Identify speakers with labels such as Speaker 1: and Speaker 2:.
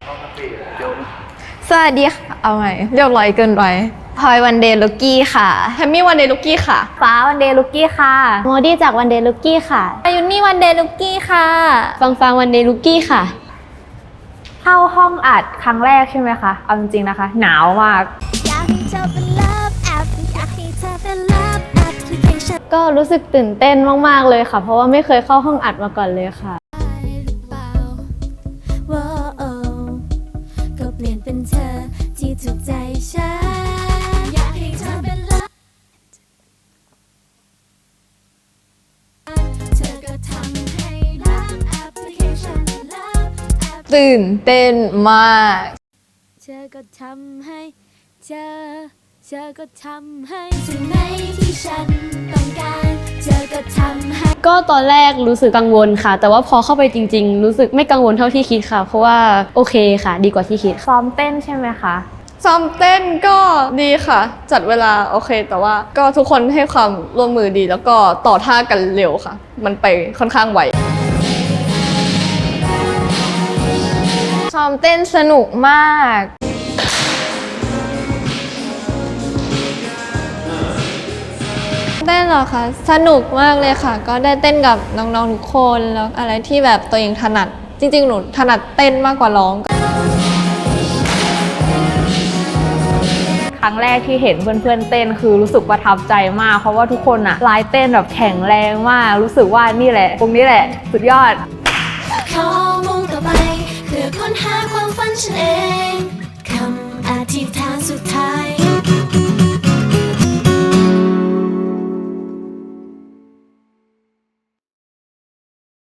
Speaker 1: สวัสดีค่ะเอาใหม่เรียบร้อยเกินไปพลอยวันเดย์ลุกกี้ค่ะแฮมมี่วันเดย์ลุกกี้ค่ะ
Speaker 2: ฟ้าวันเดย์ลุกกี้ค่ะโมดี้จากวันเดย์ลุกกี้ค่ะ
Speaker 1: อายุนี่วันเดย์ลุกกี้ค่ะ
Speaker 2: ฟังวันเดย์ลุกกี้ค่ะ
Speaker 3: เข้าห้องอัดครั้งแรกใช่ไหมคะเอาจริงๆนะคะหนาวมาก
Speaker 2: ก็รู้สึกตื่นเต้นมากๆเลยค่ะเพราะว่าไม่เคยเข้าห้องอัดมาก่อนเลยค่ะ
Speaker 4: ก็เปลี่ยนเป็นเธอที่ถูกใจฉันอยากให้เธอเป็นเลิฟเธอก็ทำให้รักแอปพลิเคชันรัก
Speaker 1: ตื่นเต้นมาก
Speaker 4: เธอก็ทำให้เธอก็ทำให้สิ่งไหนที่ฉันต้องการเธอก็ทำให้
Speaker 2: ก็ตอนแรกรู้สึกกังวลค่ะแต่ว่าพอเข้าไปจริงๆรู้สึกไม่กังวลเท่าที่คิดค่ะเพราะว่าโอเคค่ะดีกว่าที่คิด
Speaker 3: ซ้อมเต้นใช่ไหมคะ
Speaker 1: ซ้อมเต้นก็ดีค่ะจัดเวลาโอเคแต่ว่าก็ทุกคนให้ความร่วมมือดีแล้วก็ต่อท่ากันเร็วค่ะมันไปค่อนข้างไวซ้อมเต้นสนุกมากเต้นเหรอคะสนุกมากเลยค่ะก็ได้เต้นกับน้องๆทุกคนแล้วอะไรที่แบบตัวเองถนัดจริงๆหนูถนัดเต้นมากกว่าร้อง
Speaker 3: ครั้งแรกที่เห็นเพื่อนๆเต้นคือรู้สึกประทับใจมากเพราะว่าทุกคนอะลายเต้นแบบแข็งแรงมากรู้สึกว่านี่แหละตรงนี้แหละสุดยอด
Speaker 4: ขอมุ่งต่อไปเพื่อค้นหาความฝันฉันเองคำอธิษฐานสุดท้าย